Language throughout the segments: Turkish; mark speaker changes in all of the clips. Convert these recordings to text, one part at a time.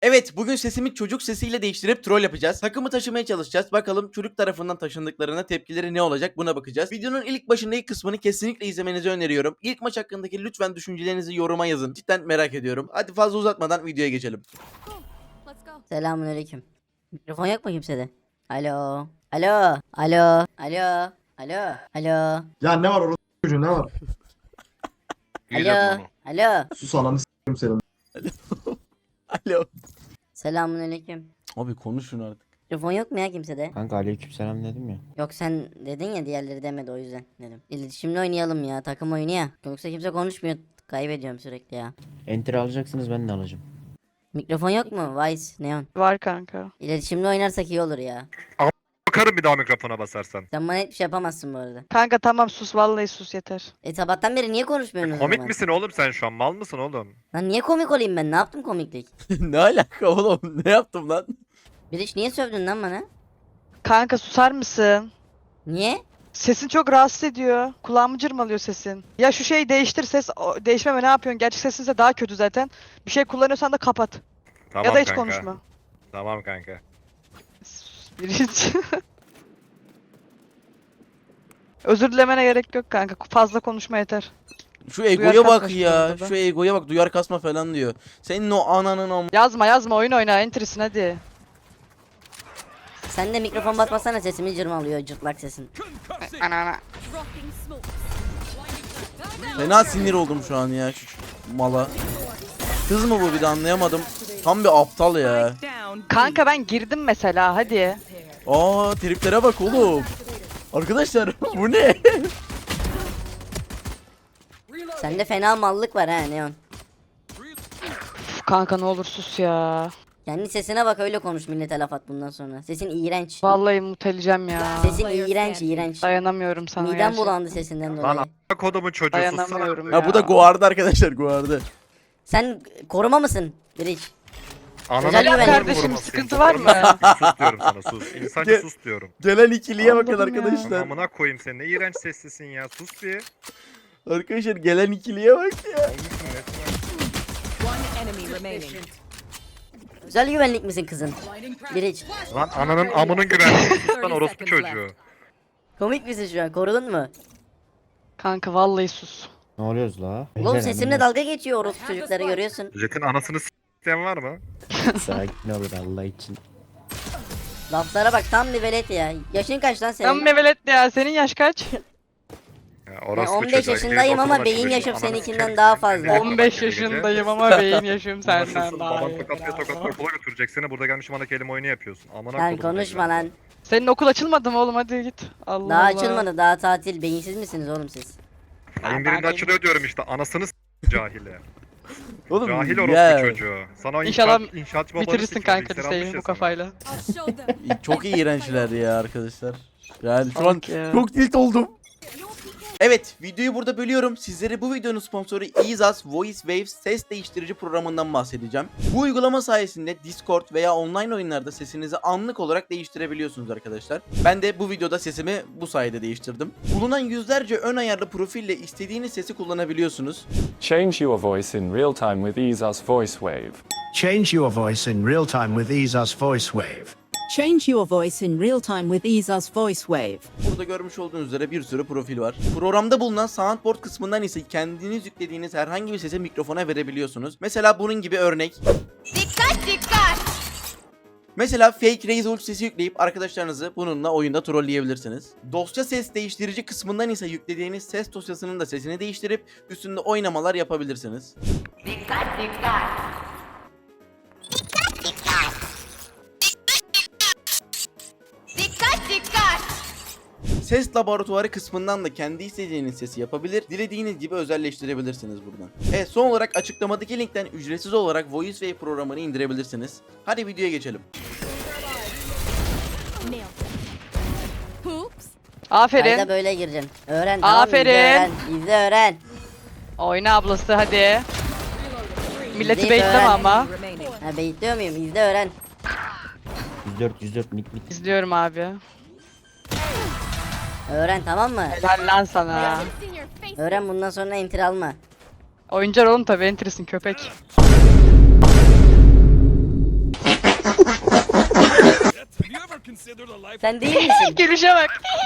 Speaker 1: Evet, bugün sesimi çocuk sesiyle değiştirip troll yapacağız. Takımı taşımaya çalışacağız. Bakalım çocuk tarafından taşındıklarına tepkileri ne olacak, buna bakacağız. Videonun ilk başındaki kısmını kesinlikle izlemenizi öneriyorum. İlk maç hakkındaki lütfen düşüncelerinizi yoruma yazın. Cidden merak ediyorum. Hadi fazla uzatmadan videoya geçelim.
Speaker 2: Selamünaleyküm. Mikrofon yok mu kimsede? Alo. Alo. Alo. Alo. Alo. Alo.
Speaker 3: Ya ne var orada çocuğun ne var?
Speaker 2: Alo. Alo.
Speaker 3: Sus ananı s**eyim senin.
Speaker 1: Alo.
Speaker 2: Selamünaleyküm.
Speaker 1: Abi konuşun artık.
Speaker 2: Mikrofon yok mu ya kimsede?
Speaker 4: Kanka aleykümselam dedim ya.
Speaker 2: Yok sen dedin ya, diğerleri demedi, o yüzden dedim. İletişimli oynayalım ya, takım oyunu ya. Yoksa kimse konuşmuyor. Kaybediyorum sürekli ya.
Speaker 4: Enter alacaksınız, ben de alacağım.
Speaker 2: Mikrofon yok mu? Vice, Neon.
Speaker 5: Var kanka.
Speaker 2: İletişimli oynarsak iyi olur ya.
Speaker 6: Bakarım bir daha mikrofona basarsan.
Speaker 2: Sen bana hiçbir şey yapamazsın bu arada.
Speaker 5: Kanka tamam sus, vallahi sus yeter.
Speaker 2: Sabahtan beri niye konuşmuyorsunuz o
Speaker 6: Komik
Speaker 2: zaman?
Speaker 6: misin oğlum sen şu an? Mal mısın oğlum?
Speaker 2: Lan niye komik olayım ben? Ne yaptım komiklik?
Speaker 1: Ne alaka oğlum? Ne yaptım lan?
Speaker 2: Biriş niye sövdün lan bana?
Speaker 5: Kanka susar mısın?
Speaker 2: Niye?
Speaker 5: Sesin çok rahatsız ediyor. Kulağımı cırmalıyor sesin. Ya şu şeyi değiştir, değişmeme ne yapıyorsun? Gerçek sesinse daha kötü zaten. Bir şey kullanıyorsan da kapat.
Speaker 6: Tamam
Speaker 5: Ya da hiç
Speaker 6: kanka.
Speaker 5: konuşma.
Speaker 6: Tamam kanka.
Speaker 5: Sus birinci. Özür dilemene gerek yok kanka. Fazla konuşma yeter.
Speaker 1: Şu egoya
Speaker 5: Duyar
Speaker 1: bak
Speaker 5: kasma
Speaker 1: ya.
Speaker 5: şu anda.
Speaker 1: Şu egoya bak, duyar kasma falan diyor. Senin o ananın
Speaker 5: Yazma oyun oyna, enter'sin hadi.
Speaker 2: Sen de mikrofon basmasana, sesimi cırmalıyor, cırtlak sesin.
Speaker 5: Ana.
Speaker 1: Fena sinir oldum şu an ya şu mala. Kız mı bu, bir de anlayamadım. Tam bir aptal ya.
Speaker 5: Kanka ben girdim mesela, hadi.
Speaker 1: Aa, triplere bak oğlum. Arkadaşlar bu ne?
Speaker 2: Sende fena mallık var ha Neon.
Speaker 5: Uf, kanka ne olur sus ya.
Speaker 2: Kendi sesine bak, öyle konuş, millete laf at bundan sonra. Sesin iğrenç.
Speaker 5: Vallahi muteleyeceğim ya.
Speaker 2: Sesin iğrenç.
Speaker 5: Dayanamıyorum sana
Speaker 2: Midem
Speaker 5: gerçekten.
Speaker 2: bulandı sesinden
Speaker 6: Lan
Speaker 2: dolayı.
Speaker 6: a**a kodumun çocuğu sussana.
Speaker 5: Dayanamıyorum
Speaker 1: Ha bu da guardı arkadaşlar, guardı.
Speaker 2: Sen koruma mısın? Biriç.
Speaker 6: Ananı
Speaker 2: Özel
Speaker 6: kodumun
Speaker 2: güvenlik.
Speaker 5: Kardeşim,
Speaker 6: vurmasın.
Speaker 5: sıkıntı var mı?
Speaker 6: Sus diyorum sana, sus. İnsanca
Speaker 1: Gel.
Speaker 6: sus diyorum.
Speaker 1: Gelen ikiliye bakın
Speaker 5: Anladım ya.
Speaker 1: arkadaşlar.
Speaker 6: Amına koyayım seni, ne iğrenç seslisin ya, sus bir.
Speaker 1: Arkadaşlar gelen ikiliye bak ya.
Speaker 2: Özel güvenlik misin kızın? Biriç.
Speaker 6: Lan ananın amının güvenliği, sus lan orospu çocuğu.
Speaker 2: Komik misin şu an? Korudun mu?
Speaker 5: Kanka vallahi sus.
Speaker 4: Ne oluyoruz la?
Speaker 2: Oğlum
Speaker 4: Beyler,
Speaker 2: sesimle
Speaker 4: hemen
Speaker 2: dalga geçiyor orospu çocukları, görüyorsun.
Speaker 6: Jet'in anasını s**ten var mı?
Speaker 4: sakin olur Allah için.
Speaker 2: Laflara bak, tam bir velet ya. Yaşın kaç lan
Speaker 5: Sen
Speaker 2: senin?
Speaker 5: mevelet ya, senin yaş kaç?
Speaker 6: Ya
Speaker 2: Ben
Speaker 6: orospu
Speaker 2: 15
Speaker 6: çocuğu,
Speaker 2: yaşındayım
Speaker 6: gidip
Speaker 2: ama
Speaker 6: okula
Speaker 2: beyin
Speaker 6: başlıyor.
Speaker 2: yaşım
Speaker 6: Ananı
Speaker 2: seninkinden
Speaker 6: sikerim.
Speaker 2: daha fazla.
Speaker 5: 15 yaşındayım ama beyin yaşım senden
Speaker 6: Nasılsın?
Speaker 5: daha
Speaker 6: Baban
Speaker 5: iyi.
Speaker 6: tokatlıyor okula götürecek seni. Burada gelmiş bana kelime oyunu yapıyorsun. Amına
Speaker 2: Sen
Speaker 6: kodumun
Speaker 2: konuşma
Speaker 6: evladı.
Speaker 2: lan.
Speaker 5: Senin okul açılmadı mı oğlum, hadi git. Allah
Speaker 2: Daha
Speaker 5: Allah.
Speaker 2: açılmadı, daha tatil. Beyinsiz misiniz oğlum siz?
Speaker 6: Ayın birinde açılıyor diyorum işte. Anasını cahile.
Speaker 1: Oğlum
Speaker 6: Cahil
Speaker 1: ya.
Speaker 6: orospu çocuğu. Sana o
Speaker 5: İnşallah
Speaker 6: inşaatçı babanı
Speaker 5: Bitirirsin
Speaker 6: sikiyor,
Speaker 5: kanka
Speaker 6: bilgisayar almış
Speaker 5: liseyi
Speaker 6: ya
Speaker 5: bu
Speaker 6: sana.
Speaker 5: kafayla.
Speaker 1: Çok iğrençler ya arkadaşlar. Yani şu an
Speaker 5: Bak ya.
Speaker 1: çok tilt oldum. Evet, videoyu burada bölüyorum. Sizlere bu videonun sponsoru EaseUs Voice Waves ses değiştirici programından bahsedeceğim. Bu uygulama sayesinde Discord veya online oyunlarda sesinizi anlık olarak değiştirebiliyorsunuz arkadaşlar. Ben de bu videoda sesimi bu sayede değiştirdim. Bulunan yüzlerce ön ayarlı profille istediğiniz sesi kullanabiliyorsunuz.
Speaker 7: Change your voice in real time with EaseUs VoiceWave.
Speaker 8: Change your voice in real time with EaseUs VoiceWave.
Speaker 9: Change your voice in real time with EaseUs VoiceWave.
Speaker 1: Burada görmüş olduğunuz üzere bir sürü profil var. Programda bulunan soundboard kısmından ise kendiniz yüklediğiniz herhangi bir sesi mikrofona verebiliyorsunuz. Mesela bunun gibi örnek. Mesela Fake Raise Ult sesi yükleyip arkadaşlarınızı bununla oyunda trolleyebilirsiniz. Dosya ses değiştirici kısmından ise yüklediğiniz ses dosyasının da sesini değiştirip üstünde oynamalar yapabilirsiniz. Ses laboratuvarı kısmından da kendi istediğiniz sesi yapabilir, dilediğiniz gibi özelleştirebilirsiniz buradan. Evet, son olarak açıklamadaki linkten ücretsiz olarak VoiceWave programını indirebilirsiniz. Hadi videoya geçelim.
Speaker 5: Aferin.
Speaker 2: Kayda böyle gireceksin. Öğren, tamam mı?
Speaker 5: Aferin.
Speaker 2: İzle öğren. İzle öğren.
Speaker 5: Oyna ablası hadi. Milleti
Speaker 2: İzleyip
Speaker 5: bekleme
Speaker 2: öğren.
Speaker 5: ama.
Speaker 2: Ha, beyitliyor muyum? İzle öğren.
Speaker 4: 104 mid.
Speaker 5: İzliyorum abi.
Speaker 2: Öğren, tamam mı?
Speaker 5: Helal lan sana.
Speaker 2: Öğren, bundan sonra enter alma.
Speaker 5: Oyuncar oğlum tabi, entrisin köpek.
Speaker 2: Sen değil misin?
Speaker 5: Gülüşe bak.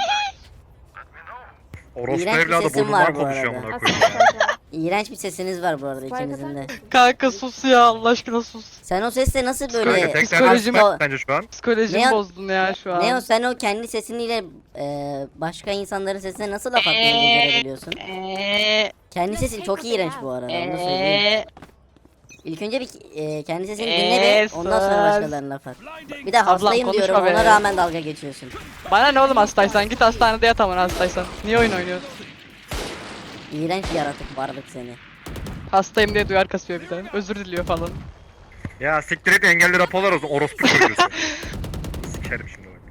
Speaker 6: Orospu
Speaker 2: İğrenç bir
Speaker 6: evladı
Speaker 2: sesim var
Speaker 6: burnundan
Speaker 2: bu
Speaker 6: konuşuyor
Speaker 2: arada.
Speaker 6: amına koyayım ya.
Speaker 2: İğrenç bir sesiniz var bu arada ikinizin de.
Speaker 5: Kanka sus ya Allah aşkına sus.
Speaker 2: Sen o sesle nasıl
Speaker 6: Kanka
Speaker 2: böyle...
Speaker 6: tek
Speaker 5: psikolojim-
Speaker 6: derdim bence şu an.
Speaker 5: Psikolojimi
Speaker 2: Ne o-
Speaker 5: bozdun ya şu an.
Speaker 2: Ne o sen o kendi sesiniyle başka insanların sesine nasıl laf atmayı becerebiliyorsun? Kendi sesin çok iğrenç bu arada onu söyleyeyim. İlk önce bir kendi sesini dinle bir ondan sonra başkalarına laf at. Bir de hastayım
Speaker 5: konuşma
Speaker 2: diyorum
Speaker 5: be.
Speaker 2: ona rağmen dalga geçiyorsun.
Speaker 5: Bana ne oğlum hastaysan git hastanede yat aman hastaysan. Niye oyun oynuyorsun?
Speaker 2: İğrenç bir yaratık varlık seni.
Speaker 5: Hastayım diye duyar kasıyor bir de. Özür diliyor falan.
Speaker 6: Ya siktir et engelli raporlar olsun. Orospu çocuğusun. Sikerim şimdi bak.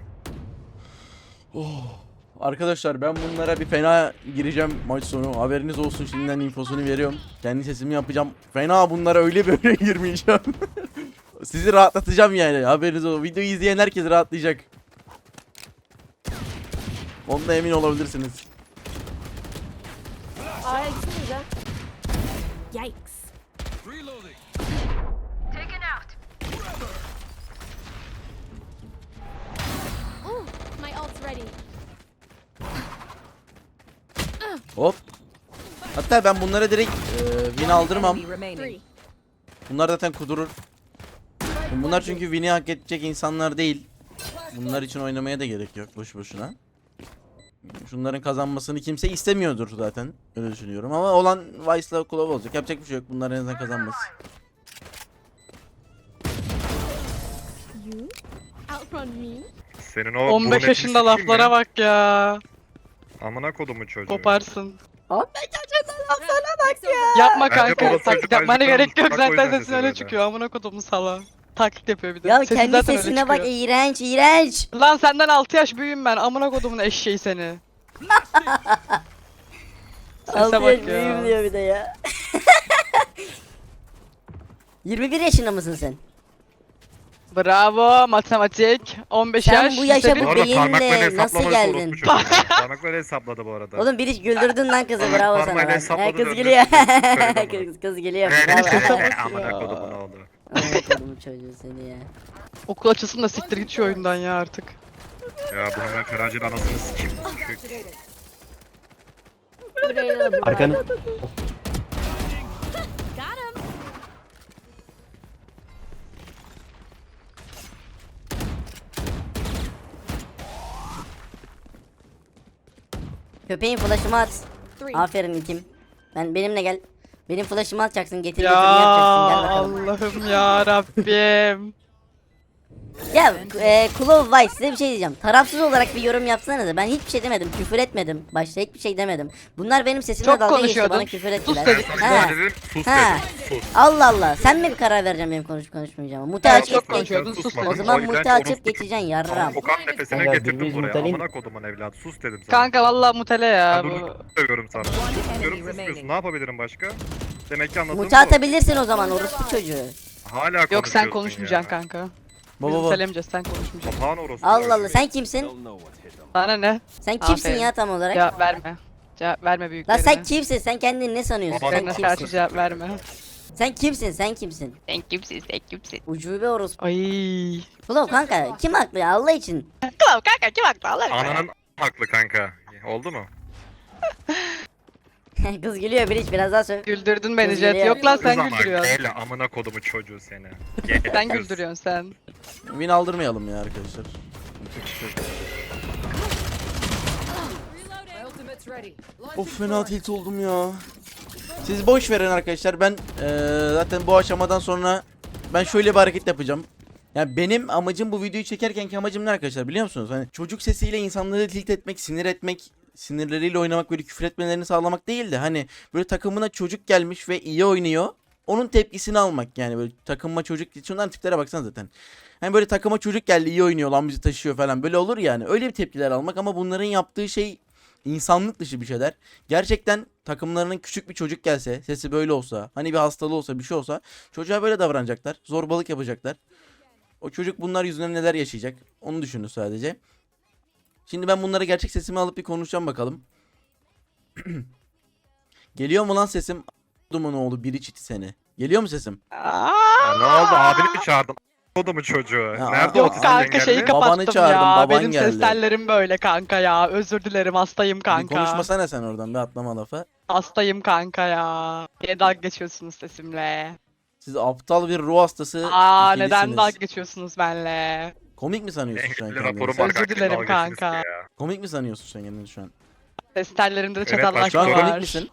Speaker 1: Arkadaşlar ben bunlara bir fena gireceğim maç sonu. Haberiniz olsun, şimdiden infosunu veriyorum. Kendi sesimi yapacağım. Fena bunlara öyle böyle girmeyeceğim. Sizi rahatlatacağım yani. Haberiniz olsun. Videoyu izleyen herkes rahatlayacak. Ondan emin olabilirsiniz.
Speaker 9: Yikes.
Speaker 10: My ult's ready.
Speaker 1: Hop. Hatta ben bunlara direkt win aldırmam.
Speaker 9: Enemy remaining.
Speaker 1: Bunlar zaten kudurur. Bunlar çünkü win'i hak edecek insanlar değil. Bunlar için oynamaya da gerek yok boş boşuna. Şunların kazanmasını kimse istemiyordur zaten. Öyle düşünüyorum ama olan Vice'la Klov olacak. Yapacak bir şey yok. Bunlar en azından kazanması.
Speaker 10: You outrun me?
Speaker 6: Senin o
Speaker 5: 15
Speaker 6: burnetini
Speaker 5: yaşında
Speaker 6: sikeyim
Speaker 5: laflara
Speaker 6: ya.
Speaker 5: bak ya.
Speaker 6: Amına kodumu çocuğu.
Speaker 5: Koparsın.
Speaker 10: Bak ya.
Speaker 5: Yapma
Speaker 6: Bence
Speaker 5: kanka.
Speaker 6: babası
Speaker 5: Taklit
Speaker 6: çocuk
Speaker 5: yapmana
Speaker 6: acıktan
Speaker 5: gerek yok.
Speaker 6: bak, o yüzden
Speaker 5: Zaten
Speaker 6: sesi
Speaker 5: sesin öyle
Speaker 6: böyle.
Speaker 5: çıkıyor. Amına kodumun sala. Taklit yapıyor bir de.
Speaker 2: Ya
Speaker 5: Sesin
Speaker 2: kendi
Speaker 5: zaten öyle
Speaker 2: sesine bak
Speaker 5: çıkıyor.
Speaker 2: iğrenç iğrenç.
Speaker 5: Lan senden 6 yaş büyüğüm ben. Amına kodumun eşeği seni. Sese
Speaker 2: 6 yaş
Speaker 5: bak
Speaker 2: büyüğüm
Speaker 5: ya.
Speaker 2: diyor bir de ya. 21 yaşında mısın sen?
Speaker 5: Bravo matematik. 15
Speaker 2: Sen
Speaker 5: yaş.
Speaker 2: bu yaşa
Speaker 5: lise
Speaker 6: Bu
Speaker 2: bu
Speaker 5: bir-
Speaker 6: arada
Speaker 2: beyinle
Speaker 6: parmaklarıyla
Speaker 2: nasıl
Speaker 6: hesaplamadı
Speaker 2: geldin?
Speaker 6: orospu çocuğu. Parmaklarıyla hesapladı bu arada.
Speaker 2: Oğlum bir hiç güldürdün lan kızı
Speaker 6: Parmak-
Speaker 2: bravo sana
Speaker 6: parmağıyla
Speaker 2: lan.
Speaker 6: hesapladı
Speaker 2: Kız
Speaker 6: döndü.
Speaker 2: gülüyor.
Speaker 6: Söyledi
Speaker 2: kız gülüyor.
Speaker 6: Benim
Speaker 2: Bravo.
Speaker 6: sesime amına kodumun oğlu.
Speaker 2: Anladım çocuğu seni ya.
Speaker 5: Okul açılsın da siktir git şu oyundan ya artık.
Speaker 6: Ya bu hemen Feracil anasını sikeyim.
Speaker 4: Arkanı.
Speaker 10: Got him.
Speaker 2: Köpeğin flash'ımı at.
Speaker 10: Three.
Speaker 2: Aferin itim. Benimle gel. Benim flash'ımı atacaksın getir
Speaker 5: Ya
Speaker 2: götürünü yapacaksın gel bakalım.
Speaker 5: Allah'ım ya Rabbim.
Speaker 2: Ya Claw Vice size bir şey diyeceğim. Tarafsız olarak bir yorum yapsanıza. Ben hiçbir şey demedim. Küfür etmedim. Başta hiçbir şey demedim. Bunlar benim sesimle
Speaker 5: Çok
Speaker 2: dalga geçti.
Speaker 5: konuşuyordun.
Speaker 2: Bana küfür
Speaker 5: Sus
Speaker 2: ettiler.
Speaker 5: dedik.
Speaker 2: Ha.
Speaker 6: Dedim, sus
Speaker 2: Ha.
Speaker 6: dedim. Sus.
Speaker 2: Allah Allah. Sen mi bir karar vereceksin benim konuşup konuşmayacağıma? Mute
Speaker 5: Evet,
Speaker 2: açıp
Speaker 5: çok
Speaker 2: geç.
Speaker 5: konuşuyordun, sus
Speaker 6: Susmadın.
Speaker 2: O
Speaker 5: dedim.
Speaker 2: zaman
Speaker 6: yüzden
Speaker 2: mute açıp
Speaker 6: orospu
Speaker 2: geçeceksin yarram.
Speaker 6: Kokan nefesine
Speaker 4: Kanka,
Speaker 6: getirdim
Speaker 4: birbirinizi
Speaker 6: buraya.
Speaker 4: mutelayın.
Speaker 6: Amına kodumun evladı. Sus dedim sana.
Speaker 5: Kanka vallahi mutele ya
Speaker 6: Ben
Speaker 5: bu.
Speaker 6: bunu seviyorum sana. Diyorum susmuyorsun. Ne yapabilirim başka? Demek ki anladın
Speaker 2: Mute atabilirsin o zaman orospu çocuğu.
Speaker 6: Hala
Speaker 5: Yok sen
Speaker 6: konuşuyorsun
Speaker 5: konuşmayacaksın
Speaker 6: ya.
Speaker 5: kanka.
Speaker 1: Baba
Speaker 5: Biz
Speaker 1: baba.
Speaker 5: mutelemeyeceğiz sen konuşmayacaksın.
Speaker 6: Papağan orospu.
Speaker 2: Allah Allah sen kimsin?
Speaker 5: Bana ne?
Speaker 2: Sen kimsin
Speaker 5: Aferin.
Speaker 2: ya tam olarak?
Speaker 5: Cevap verme. Cevap verme
Speaker 2: La
Speaker 5: büyüklerine.
Speaker 2: sen kimsin? Sen kendini ne sanıyorsun?
Speaker 6: Baba,
Speaker 2: Sen
Speaker 5: Bana karşı
Speaker 2: kimsin?
Speaker 5: cevap verme.
Speaker 2: Sen kimsin? Sen kimsin?
Speaker 5: Sen kimsin sen kimsin?
Speaker 2: Ucube orospu.
Speaker 5: Ay.
Speaker 2: Ulan kanka kim haklı ya Allah için?
Speaker 5: Tamam kanka kim haklı Allah aşkına.
Speaker 6: Ananın haklı kanka. Oldu mu?
Speaker 2: Kız gülüyor bir hiç biraz daha söyle.
Speaker 5: Güldürdün beni
Speaker 2: Kız
Speaker 5: Jet.
Speaker 2: geliyor.
Speaker 5: Yok lan
Speaker 6: Kız
Speaker 5: sen
Speaker 6: ama
Speaker 5: güldürüyorsun.
Speaker 6: Gel amına kodumu çocuğu seni.
Speaker 5: Sen
Speaker 6: Kız.
Speaker 5: güldürüyorsun sen.
Speaker 1: Win aldırmayalım ya arkadaşlar. Of fena tilt oldum ya. Siz boş verin arkadaşlar. Ben zaten bu aşamadan sonra ben şöyle bir hareket yapacağım. Yani benim amacım bu videoyu çekerkenki amacım ne arkadaşlar biliyor musunuz? Hani çocuk sesiyle insanları tilt etmek, sinir etmek, sinirleriyle oynamak, böyle küfür etmelerini sağlamak değil de hani böyle takımına çocuk gelmiş ve iyi oynuyor. Onun tepkisini almak yani böyle takıma çocuk, şundan tiplere baksana zaten. Hani böyle takıma çocuk geldi iyi oynuyor lan bizi taşıyor falan böyle olur yani. Öyle bir tepkiler almak ama bunların yaptığı şey insanlık dışı bir şeyler. Gerçekten takımlarının küçük bir çocuk gelse, sesi böyle olsa, hani bir hastalığı olsa, bir şey olsa çocuğa böyle davranacaklar. Zorbalık yapacaklar. O çocuk bunlar yüzünden neler yaşayacak? Onu düşünün sadece. Şimdi ben bunlara gerçek sesimi alıp bir konuşacağım bakalım. Geliyor mu lan sesim? Duman oğlu biri çiti seni. Geliyor mu sesim?
Speaker 5: Aa,
Speaker 6: Ya ne oldu abini mi çağırdın? kodumu çocuğu.
Speaker 1: Ya,
Speaker 6: Nerede
Speaker 5: Yok
Speaker 6: otuz
Speaker 5: kanka
Speaker 6: engelli?
Speaker 5: şeyi
Speaker 1: Babanı
Speaker 5: kapattım
Speaker 1: çağırdım,
Speaker 5: ya.
Speaker 1: baban
Speaker 5: Benim
Speaker 1: geldi.
Speaker 5: ses tellerim böyle kanka ya. Özür dilerim hastayım
Speaker 1: Bir
Speaker 5: kanka.
Speaker 1: konuşmasana sen oradan bir atlama lafa.
Speaker 5: Hastayım kanka ya. Niye dalga geçiyorsunuz sesimle?
Speaker 1: Siz aptal bir ruh hastası
Speaker 5: Neden
Speaker 1: ikilisiniz.
Speaker 5: dalga geçiyorsunuz benle?
Speaker 1: Komik mi sanıyorsun şu an
Speaker 6: Engelli
Speaker 1: kendini?
Speaker 6: raporum
Speaker 1: sen?
Speaker 6: var
Speaker 5: Özür
Speaker 6: kanka.
Speaker 5: dilerim
Speaker 6: dalga geçtiniz
Speaker 5: kanka.
Speaker 6: ki ya.
Speaker 1: Komik mi sanıyorsun sen kendini şu an?
Speaker 5: Ses tellerimde de
Speaker 6: Evet,
Speaker 1: Şu
Speaker 5: çatallaşma
Speaker 1: an
Speaker 6: başka
Speaker 1: komik
Speaker 5: var.
Speaker 1: misin?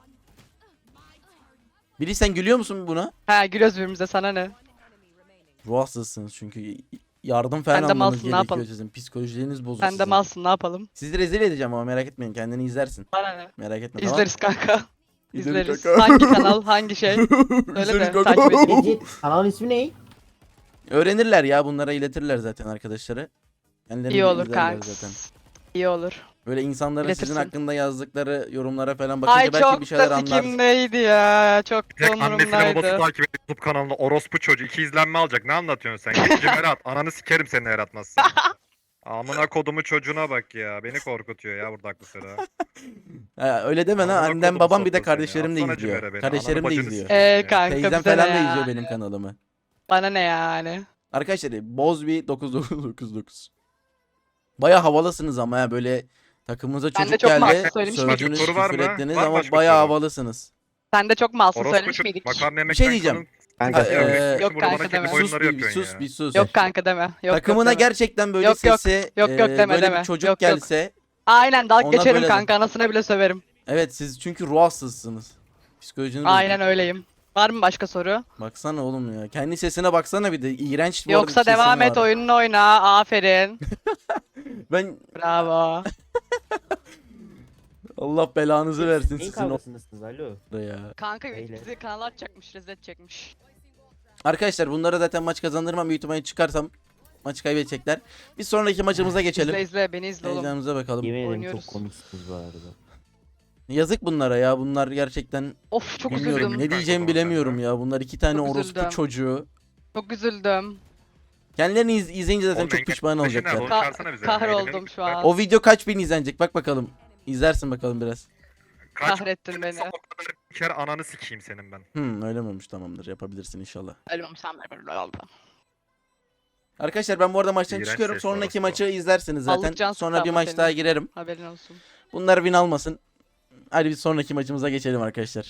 Speaker 1: Biri sen gülüyor musun buna?
Speaker 5: He gülüyoruz birbirimize sana ne?
Speaker 1: Ruh hastasısınız çünkü yardım falan
Speaker 5: Sen de
Speaker 1: almanız
Speaker 5: malsın, ne
Speaker 1: gerekiyor
Speaker 5: yapalım?
Speaker 1: sizin. Psikolojileriniz bozuk
Speaker 5: Sen de
Speaker 1: sizin.
Speaker 5: malsın ne yapalım?
Speaker 1: Sizi rezil edeceğim ama merak etmeyin kendini izlersin.
Speaker 5: Bana ne?
Speaker 1: Merak etme
Speaker 5: İzleriz kanka.
Speaker 1: İzleriz
Speaker 5: İzleriz.
Speaker 1: kanka.
Speaker 5: Hangi kanal, hangi şey?
Speaker 1: İzleriz
Speaker 5: Söyle de
Speaker 1: kanka.
Speaker 5: takip edeyim.
Speaker 4: Legit. Kanalın ismi ne?
Speaker 1: Öğrenirler ya bunlara iletirler zaten arkadaşları. Kendileri
Speaker 5: İyi
Speaker 1: de
Speaker 5: olur
Speaker 1: izlerler
Speaker 5: kanka.
Speaker 1: zaten.
Speaker 5: İyi olur.
Speaker 1: Böyle insanların sizin
Speaker 5: İletirsin.
Speaker 1: hakkında yazdıkları yorumlara falan bakınca
Speaker 5: Ay
Speaker 1: belki
Speaker 5: çok
Speaker 1: bir şeyler
Speaker 5: da
Speaker 1: anlarsın.
Speaker 5: sikimdeydi ya. Çok da
Speaker 6: Tek annesini babası
Speaker 5: umurumdaydı.
Speaker 6: takip edip YouTube kanalında orospu çocuğu 2 izlenme alacak. Ne anlatıyorsun sen? Gidince Berat. Ananı sikerim seni eğer atmazsan. Amına kodumu çocuğuna bak ya. Beni korkutuyor ya burada aklı sıra.
Speaker 1: Ha, öyle deme lan.
Speaker 6: Amına
Speaker 1: Annem
Speaker 6: kodumu
Speaker 1: babam bir de
Speaker 6: soktu seni.
Speaker 1: kardeşlerim de
Speaker 6: Atsana
Speaker 1: izliyor.
Speaker 6: Cimer'e beni.
Speaker 1: Kardeşlerim de
Speaker 6: Ananı bacını
Speaker 1: izliyor.
Speaker 6: sikeyim ya.
Speaker 5: Kanka
Speaker 1: Teyzem
Speaker 5: bize
Speaker 1: falan
Speaker 5: ne
Speaker 1: da
Speaker 5: ya?
Speaker 1: izliyor benim kanalımı.
Speaker 5: Bana ne yani?
Speaker 1: Arkadaşlar Bozbi 9999. Baya havalısınız ama ya böyle takımımıza
Speaker 5: Ben de
Speaker 1: çocuk
Speaker 5: çok
Speaker 1: geldi.
Speaker 5: mahsus söylemiştim.
Speaker 1: Sövdünüz,
Speaker 6: Başka soru var
Speaker 1: küfür
Speaker 6: mı?
Speaker 1: ettiniz
Speaker 6: Var mı
Speaker 1: ama
Speaker 6: başka
Speaker 1: baya
Speaker 6: soru?
Speaker 1: havalısınız.
Speaker 5: Sen de çok masum
Speaker 6: Orospu
Speaker 5: söylemiş
Speaker 6: çocuk.
Speaker 5: miydik?
Speaker 6: Makarna
Speaker 1: Bir şey
Speaker 6: yemekten
Speaker 1: diyeceğim.
Speaker 6: kanın-
Speaker 4: Kanka.
Speaker 1: Ha,
Speaker 5: Yok
Speaker 6: Burada bana
Speaker 5: kanka
Speaker 6: kendi
Speaker 5: deme.
Speaker 6: oyunları
Speaker 1: sus bir
Speaker 6: yapıyorsun
Speaker 1: sus
Speaker 6: ya.
Speaker 1: bir sus.
Speaker 5: Yok kanka deme. Yok
Speaker 1: Takımına
Speaker 5: yok deme.
Speaker 1: gerçekten böyle
Speaker 5: Yok, yok.
Speaker 1: sesi
Speaker 5: Yok, yok deme,
Speaker 1: böyle
Speaker 5: deme.
Speaker 1: bir çocuk
Speaker 5: Yok, yok.
Speaker 1: gelse
Speaker 5: Aynen dalga
Speaker 1: Ona
Speaker 5: geçerim
Speaker 1: böyle de.
Speaker 5: kanka anasına bile söverim.
Speaker 1: evet siz çünkü ruh hastasısınız. Psikolojiniz
Speaker 5: Aynen
Speaker 1: bozuk.
Speaker 5: öyleyim. Var mı başka soru?
Speaker 1: Baksana oğlum ya. Kendi sesine baksana bir de. İğrenç bu
Speaker 5: Yoksa
Speaker 1: arada bir
Speaker 5: devam
Speaker 1: sesin
Speaker 5: et
Speaker 1: var.
Speaker 5: oyununu oyna. Aferin.
Speaker 1: Ben
Speaker 5: Bravo.
Speaker 1: Allah belanızı versin
Speaker 4: Neyin
Speaker 1: sizin
Speaker 4: kavgasındasınız alo?
Speaker 1: orada ya.
Speaker 5: Kanka
Speaker 4: Neyle?
Speaker 5: bizi kanala atacakmış, rezil edecekmiş.
Speaker 1: Arkadaşlar bunlara zaten maç kazandırmam. Büyük ihtimalle çıkarsam maçı kaybedecekler. Bir sonraki maçımıza geçelim.
Speaker 5: İzle beni izle oğlum.
Speaker 1: Heyecanımıza bakalım.
Speaker 4: Yemin ederim
Speaker 5: Oynuyoruz.
Speaker 4: çok komiksiniz bu arada.
Speaker 1: Yazık bunlara ya. Bunlar gerçekten
Speaker 5: Of çok
Speaker 1: bilmiyorum.
Speaker 5: üzüldüm.
Speaker 1: Ne
Speaker 6: Kanka
Speaker 1: diyeceğimi
Speaker 6: zaman
Speaker 1: bilemiyorum
Speaker 6: sende.
Speaker 1: ya. Bunlar iki tane
Speaker 5: Çok
Speaker 1: orospu
Speaker 5: üzüldüm.
Speaker 1: çocuğu.
Speaker 5: Çok üzüldüm.
Speaker 1: Kendilerini izleyince zaten
Speaker 6: Oğlum
Speaker 1: çok
Speaker 6: engel-
Speaker 1: pişman
Speaker 6: Taşı nerede?
Speaker 1: olacaklar.
Speaker 6: Onu çağırsana bize.
Speaker 5: Kahroldum
Speaker 6: Eğlenelim.
Speaker 5: şu an.
Speaker 1: O video kaç bin izlenecek? Bak bakalım. İzlersin bakalım biraz.
Speaker 6: Kaç
Speaker 5: Kahrettin beni.
Speaker 6: o kadar bir kere ananı sikeyim senin ben.
Speaker 1: Öyle mi olmuş? Tamamdır. Yapabilirsin inşallah.
Speaker 5: Ölmem sen böyle oldu.
Speaker 1: Arkadaşlar ben bu arada maçtan
Speaker 6: İğrenç
Speaker 1: çıkıyorum.
Speaker 6: ses
Speaker 1: Sonraki
Speaker 6: orospu.
Speaker 1: maçı izlersiniz zaten.
Speaker 5: Allık can
Speaker 1: Sonra bir
Speaker 5: sıktı
Speaker 1: maç
Speaker 5: ama
Speaker 1: daha
Speaker 5: senin.
Speaker 1: girerim.
Speaker 5: Haberin olsun.
Speaker 1: Bunlar win almasın. Hadi bir sonraki maçımıza geçelim arkadaşlar.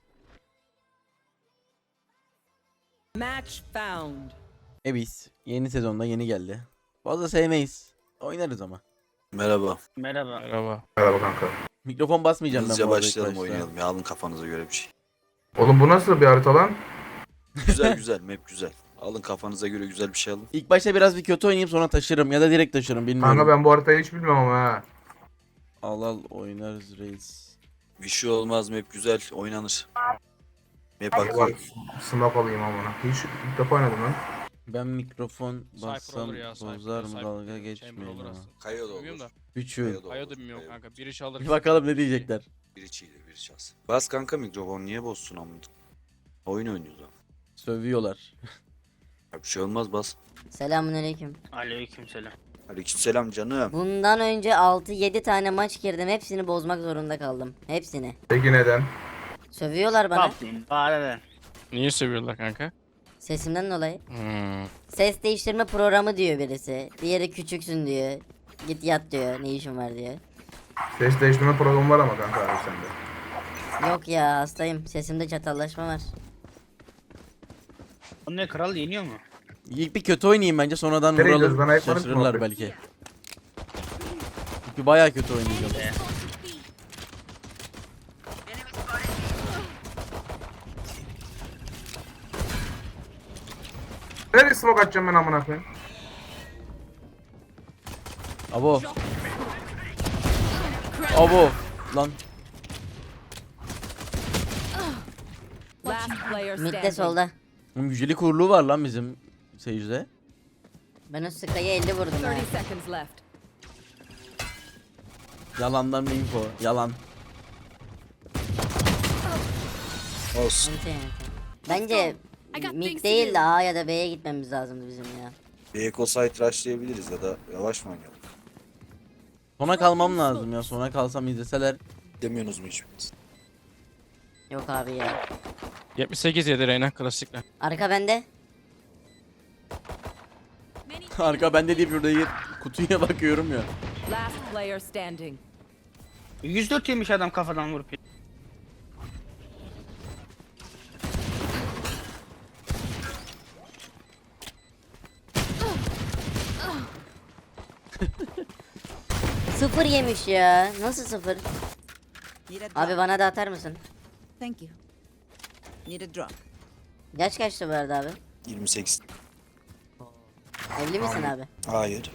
Speaker 9: Match found.
Speaker 1: Evis yeni sezonda yeni geldi. Fazla sevmeyiz. Oynarız ama.
Speaker 11: Merhaba.
Speaker 7: Merhaba.
Speaker 3: Merhaba kanka.
Speaker 1: Mikrofon basmayacağım ben
Speaker 11: Hızlıca
Speaker 1: bu arada ilk
Speaker 11: başlayalım
Speaker 1: başta.
Speaker 11: oynayalım ya. Alın kafanıza göre bir şey.
Speaker 3: Oğlum bu nasıl bir harita lan?
Speaker 11: Güzel güzel map güzel. Alın kafanıza göre güzel bir şey alın.
Speaker 1: İlk başta biraz bir kötü oynayayım sonra taşırım ya da direkt taşırım bilmiyorum.
Speaker 3: Kanka ben bu haritayı hiç bilmem ama ha.
Speaker 1: Al oynarız reis.
Speaker 11: Bir şey olmaz map güzel oynanır. Map
Speaker 3: Bak
Speaker 11: akıyor.
Speaker 3: smoke alayım amına. Hiç ilk defa oynadım lan.
Speaker 1: Ben mikrofon
Speaker 7: Cypher
Speaker 1: bassam
Speaker 7: olur ya, Cypher,
Speaker 1: bozar mı
Speaker 7: Cypher.
Speaker 1: dalga
Speaker 7: Chamber
Speaker 1: geçmeyin
Speaker 7: olur
Speaker 1: ama.
Speaker 7: aslında.
Speaker 11: Kayo da
Speaker 7: Bilmiyorum
Speaker 11: olur.
Speaker 7: da.
Speaker 1: Üçü.
Speaker 11: Kayo da
Speaker 7: Kayo
Speaker 11: olur,
Speaker 7: da bilmiyorum
Speaker 11: Kayo.
Speaker 7: kanka. Bir iş alır.
Speaker 1: Bir bakalım ne diyecekler.
Speaker 11: Biri çiğdir biri çalsın. Bas kanka mikrofon niye bozsun amına? Oyun oynuyoruz lan.
Speaker 1: Sövüyorlar.
Speaker 11: Ya bir şey olmaz bas.
Speaker 2: Selamünaleyküm.
Speaker 7: Aleykümselam.
Speaker 11: Aleykümselam canım.
Speaker 2: Bundan önce 6-7 tane maç girdim. Hepsini bozmak zorunda kaldım. Hepsini.
Speaker 3: Peki neden?
Speaker 2: Sövüyorlar bana.
Speaker 7: Niye seviyorlar kanka?
Speaker 2: Sesimden dolayı. Ses değiştirme programı diyor birisi. Diğeri küçüksün diyor. Git yat diyor. Ne işin var diyor.
Speaker 3: Ses değiştirme programı var ama kanka abi sende.
Speaker 2: Yok ya hastayım. Sesimde çatallaşma var.
Speaker 7: O ne kral yeniyor mu?
Speaker 1: İlk bir kötü oynayayım bence sonradan
Speaker 3: Nereye gidiyoruz?
Speaker 1: vuralım.
Speaker 3: Bana yapmanız mı
Speaker 1: Şaşırırlar
Speaker 3: muhabbet?
Speaker 1: belki. Çünkü bayağı kötü oynayacağım.
Speaker 3: Nereye smoke atacağım ben amına koyayım?
Speaker 1: Abo. Abo. Lan.
Speaker 9: Last player
Speaker 2: Midde
Speaker 9: standing.
Speaker 2: solda.
Speaker 1: Oğlum yücelik kuruluğu var lan bizim seyircide.
Speaker 2: Ben o Sky'ya 50 vurdum ha.
Speaker 9: 30 seconds left.
Speaker 1: Yalandan bir info. Yalan.
Speaker 11: Olsun.
Speaker 2: Ente ente. Bence
Speaker 10: I got things
Speaker 2: mid
Speaker 10: to
Speaker 2: değil
Speaker 10: do.
Speaker 2: de A ya da B'ye gitmemiz lazımdı bizim ya.
Speaker 11: Bir eco site rushlayabiliriz ya da yavaş mı oynayalım?
Speaker 1: Sona kalmam lazım ya. Sona kalsam izleseler.
Speaker 11: Demiyorsunuz mu hiçbiriniz?
Speaker 2: Yok abi ya.
Speaker 7: 78 yedi Reyna klasikler.
Speaker 2: Arka bende.
Speaker 1: Arka bende deyip şurada kutuya bakıyorum ya.
Speaker 9: Last player standing.
Speaker 12: 104 yemiş adam kafadan vurup.
Speaker 2: Sıfır yemiş ya. Nasıl sıfır?
Speaker 9: Need a drop.
Speaker 2: Abi bana da atar mısın?
Speaker 9: Thank you. Need a drop.
Speaker 2: Yaş kaçtı bu arada abi?
Speaker 11: 28.
Speaker 2: Evli misin abi?
Speaker 11: Hayır.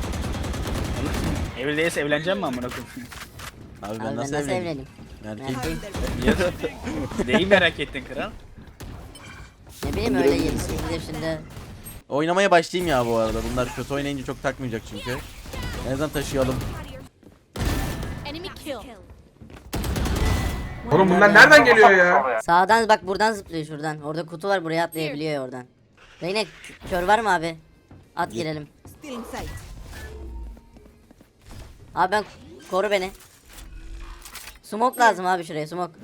Speaker 12: Evli değilse evleneceğim mi amına koyayım?
Speaker 1: Abi
Speaker 2: Abi
Speaker 1: ben
Speaker 2: ben
Speaker 1: nasıl
Speaker 2: nasıl
Speaker 1: evleneyim?
Speaker 2: evleneyim?
Speaker 1: Erkeğim.
Speaker 12: Neyi merak ettin kral?
Speaker 2: Ne bileyim öyle 28 yaşında.
Speaker 1: Oynamaya başlayayım ya bu arada. Bunlar kötü oynayınca çok takmayacak çünkü. En azından taşıyalım.
Speaker 10: Enemy kill.
Speaker 3: Oğlum bunlar nereden geliyor ya?
Speaker 2: Sağdan bak buradan zıplıyor şuradan. Orada kutu var buraya atlayabiliyor ya oradan. Reyne kör var mı abi? At girelim.
Speaker 9: Still in sight.
Speaker 2: Abi ben koru beni. Smoke lazım abi şuraya smoke.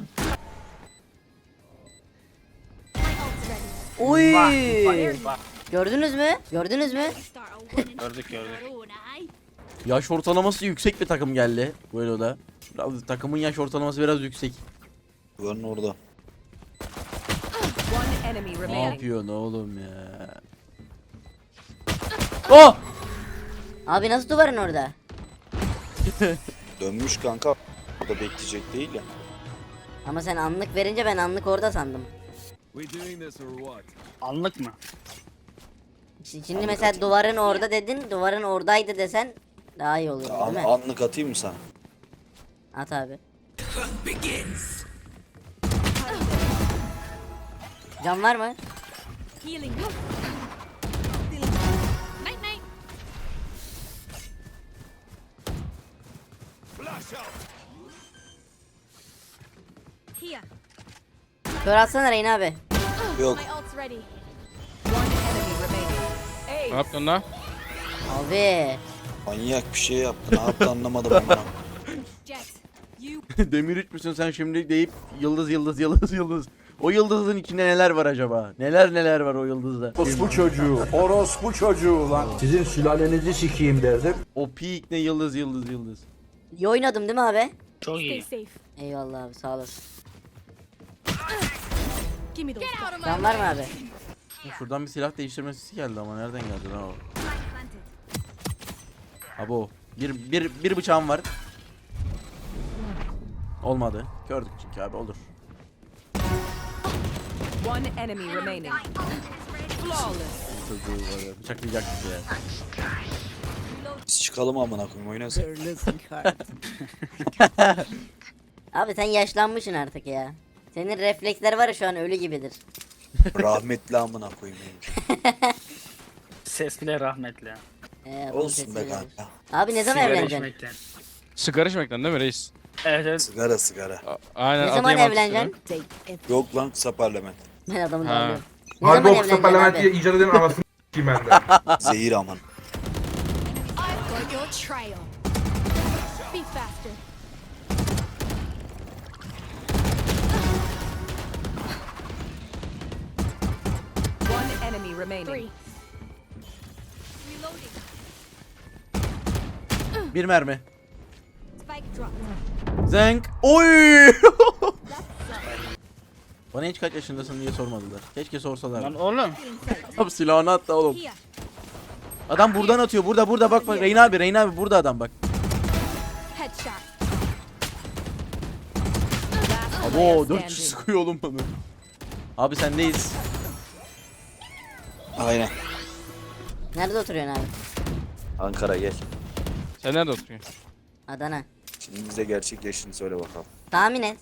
Speaker 2: Oy! Gördünüz mü? Gördünüz mü?
Speaker 12: Gördük gördük.
Speaker 1: Yaş ortalaması yüksek bir takım geldi. Böyle o da. Biraz, takımın yaş ortalaması biraz yüksek.
Speaker 11: Duvarın orada.
Speaker 9: One enemy
Speaker 1: Ne
Speaker 9: remaining.
Speaker 1: yapıyorsun oğlum ya? Oh!
Speaker 2: Abi nasıl duvarın orada?
Speaker 11: Dönmüş kanka. Burada bekleyecek değil ya.
Speaker 2: Ama sen anlık verince ben anlık orada sandım.
Speaker 12: Anlık mı?
Speaker 2: Şimdi mesela duvarın orada dedin, duvarın oradaydı desen daha iyi olur değil mi?
Speaker 11: Anlık atayım mı sana?
Speaker 2: At abi. Can var mı?
Speaker 10: Healing. Night night. Here.
Speaker 2: Kör atsana Reyna abi.
Speaker 11: Yok.
Speaker 10: My ult's ready.
Speaker 9: One enemy remaining.
Speaker 12: Ne yaptın lan?
Speaker 2: Abi.
Speaker 11: Manyak bir şey yaptı. Ne yaptı anlamadım ama.
Speaker 10: Jet. You.
Speaker 1: Demir 3 müsün sen şimdi deyip yıldız yıldız yıldız yıldız. O yıldızın içinde neler var acaba? Neler var o yıldızda?
Speaker 8: Orospu çocuğu. Orospu çocuğu lan. Sizin sülalenizi sikeyim derdim.
Speaker 1: O peak ne yıldız yıldız yıldız.
Speaker 2: İyi oynadım değil mi abi?
Speaker 12: Çok
Speaker 10: Stay
Speaker 12: iyi.
Speaker 10: safe.
Speaker 2: Eyvallah abi sağ olasın.
Speaker 10: Give me those. Get out of my
Speaker 2: Can var mı abi?
Speaker 1: Şuradan bir silah değiştirme sesi geldi ama nereden geldi lan o? Abo. Bir bıçağım var. Olmadı. Gördük çünkü abi olur.
Speaker 9: One enemy remaining. Flawless.
Speaker 1: Çocuğu böyle bıçaklayacaktık ya.
Speaker 11: Biz çıkalım amına koyayım oynasın.
Speaker 9: They're losing heart.
Speaker 2: Abi sen yaşlanmışsın artık ya. Senin refleksler var ya şu an ölü gibidir.
Speaker 11: Rahmetli amına koyayım. benim.
Speaker 12: Ses bile rahmetli.
Speaker 2: Bunun
Speaker 11: Olsun
Speaker 2: sesi
Speaker 11: be
Speaker 2: gelir.
Speaker 11: kanka.
Speaker 2: Abi ne zaman
Speaker 12: Sigara
Speaker 2: evleneceksin?
Speaker 12: içmekten.
Speaker 4: Sigara içmekten değil mi reis?
Speaker 12: Evet evet.
Speaker 11: Sigara.
Speaker 4: Aynen.
Speaker 2: Ne zaman
Speaker 4: Adıyaman
Speaker 2: evleneceksin?
Speaker 9: Take it.
Speaker 11: Yok lan kısa parlament.
Speaker 2: Ben adamı
Speaker 4: Ha.
Speaker 2: darlıyorum. Ne
Speaker 3: Harbi
Speaker 2: zaman
Speaker 3: o kısa
Speaker 2: evleneceksin
Speaker 3: parlamentiye
Speaker 2: abi?
Speaker 3: icat edenin anasını s**eyim ben de.
Speaker 11: Zehir aman.
Speaker 10: I've got your trail. Be faster.
Speaker 9: One enemy remaining.
Speaker 10: 3. Reloading.
Speaker 1: Bir mermi.
Speaker 10: Spike drop.
Speaker 1: Zenk. Oy! Bana hiç kaç yaşındasın diye sormadılar. Keşke sorsalar.
Speaker 12: Lan oğlum.
Speaker 1: Tam silahını attı oğlum.
Speaker 10: Here.
Speaker 1: Adam buradan atıyor. Burada bak bak. Reyna abi burada adam bak.
Speaker 10: Headshot.
Speaker 9: Last
Speaker 1: Abo
Speaker 9: player
Speaker 1: 4 kişi
Speaker 9: standing.
Speaker 1: sıkıyor oğlum bana. Abi sendeyiz.
Speaker 11: Aynen.
Speaker 2: Nerede oturuyorsun abi?
Speaker 11: Ankara gel.
Speaker 4: Sen nerede oturuyorsun?
Speaker 2: Adana.
Speaker 11: Şimdi bize gerçek yaşını söyle bakalım.
Speaker 2: Tahmin et.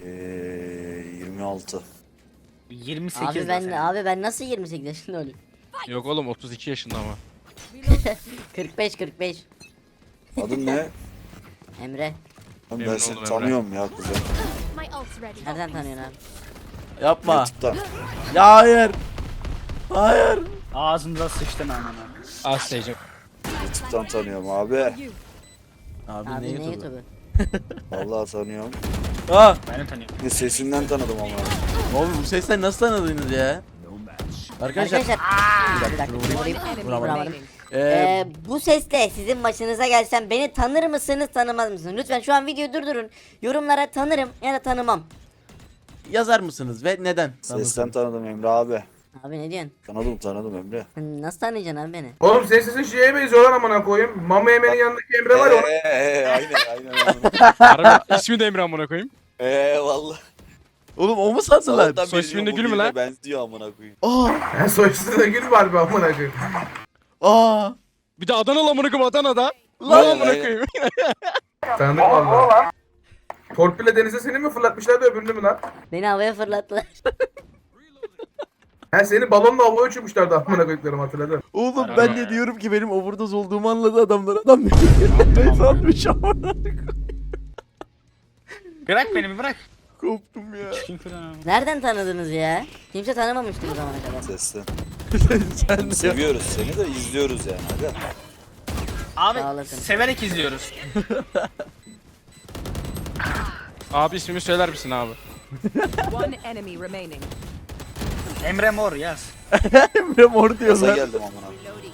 Speaker 11: 26.
Speaker 12: 28
Speaker 2: Abi ben nasıl 28 yaşında olayım?
Speaker 4: Yok oğlum 32 yaşında ama.
Speaker 2: 45.
Speaker 11: Adın ne?
Speaker 2: Emre.
Speaker 11: Ben
Speaker 4: Memnun
Speaker 11: seni
Speaker 4: oldum
Speaker 11: tanıyorum ya kuzen.
Speaker 10: My ult's ready.
Speaker 2: Nereden tanıyorsun abi?
Speaker 1: Yapma.
Speaker 11: YouTube'dan.
Speaker 1: Ya hayır. Hayır.
Speaker 12: Ağzınıza sıçtın amına.
Speaker 4: Az seyirci.
Speaker 11: YouTube'dan tanıyorum abi.
Speaker 1: Abi,
Speaker 2: Abi
Speaker 1: ne
Speaker 2: ne
Speaker 1: YouTube'u?
Speaker 2: YouTube'u?
Speaker 11: Vallahi tanıyorum.
Speaker 1: Aa,
Speaker 12: Ben de tanıyorum.
Speaker 11: Bir sesinden tanıdım ama.
Speaker 1: oğlum bu sesler nasıl tanıdınız ya? Arkadaşlar.
Speaker 2: Arkadaşlar. Bir dakika. Vurayım.
Speaker 9: Enemy
Speaker 1: Vuramadım.
Speaker 9: remaining.
Speaker 2: Bu sesle sizin başınıza gelsem beni tanır mısınız tanımaz mısınız? Lütfen şu an videoyu durdurun. Yorumlara tanırım ya da tanımam.
Speaker 1: Yazar mısınız ve neden?
Speaker 11: Sesten tanıdım Emre abi.
Speaker 2: Abi ne diyorsun?
Speaker 11: Tanıdım Emre.
Speaker 2: Nasıl tanıyacaksın abi beni?
Speaker 3: Oğlum senin sesin şeye benziyor lan amına koyayım. Mama Yemen'in yanındaki Emre var ya.
Speaker 11: Aynen.
Speaker 4: Harbi ismi de Emre amına koyayım.
Speaker 11: Valla.
Speaker 1: Oğlum o mu sandılar?
Speaker 11: Sabahtan
Speaker 4: Soy
Speaker 11: beri
Speaker 4: isminde
Speaker 11: diyorum,
Speaker 4: Gül mü
Speaker 11: bugüne
Speaker 4: lan?
Speaker 11: Benziyor amına koyayım.
Speaker 1: Aa,
Speaker 3: Soy üstünde gül var be amına koyayım.
Speaker 1: aa.
Speaker 4: Bir de Adanalı amına koyayım Adana'da.
Speaker 11: Lan,
Speaker 4: Lan amına
Speaker 11: aynen.
Speaker 4: koyayım.
Speaker 3: Tanıdık valla. Torpille denize seni mi fırlatmışlardı öbürünü mü lan?
Speaker 2: Beni havaya fırlattılar.
Speaker 3: He seni balonla havaya uçurmuşlardı amına koyduklarım hatırladım.
Speaker 1: Oğlum ben de diyorum ki benim overdose olduğumu anladı adamlar. Adam beni sanmış ama.
Speaker 12: Bırak beni bir bırak.
Speaker 1: Koptum ya.
Speaker 12: Çıkayım falan abi.
Speaker 2: Nereden tanıdınız ya? Kimse tanımamıştı bu zamana kadar.
Speaker 11: Sesten.
Speaker 1: Sen de.
Speaker 11: Seviyoruz seni de izliyoruz yani. Hadi.
Speaker 12: Abi
Speaker 2: Sağ olasın.
Speaker 12: severek izliyoruz.
Speaker 4: Abi ismimi söyler misin abi?
Speaker 9: One enemy remaining.
Speaker 12: Emre Mor yaz.
Speaker 1: Emre mor
Speaker 11: Gaza
Speaker 1: diyorlar.
Speaker 11: geldim amına.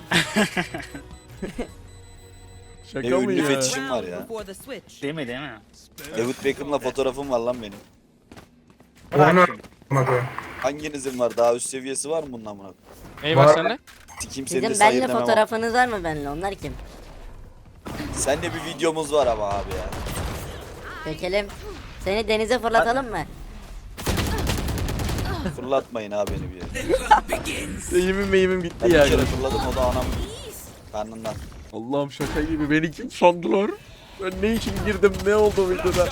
Speaker 11: Ne
Speaker 1: Şaka mı
Speaker 11: ünlü
Speaker 1: ya?
Speaker 11: fetişim var ya.
Speaker 9: Before the switch.
Speaker 12: Değil mi?
Speaker 11: David Beckham'la fotoğrafım var lan benim.
Speaker 3: Oynar amına koyayım.
Speaker 11: Hanginizin var? Daha üst seviyesi var mı bunun amına?
Speaker 4: Ney var
Speaker 3: Var.
Speaker 4: sende?
Speaker 11: Sikim seni de
Speaker 2: Sizin
Speaker 11: sayır
Speaker 2: benimle
Speaker 11: demem ama.
Speaker 2: fotoğrafınız var mı benimle? Onlar kim?
Speaker 11: Seninle bir videomuz var ama abi ya.
Speaker 2: Çekelim. Seni denize fırlatalım mı?
Speaker 11: Fırlatmayın abi beni bir yere.
Speaker 1: Eğimim meyimim gitti
Speaker 11: Ben
Speaker 1: ya.
Speaker 11: bir kere fırladım o da anam karnından.
Speaker 1: Allah'ım şaka gibi beni kim sandılar? Ben ne için girdim ne oldu videoda?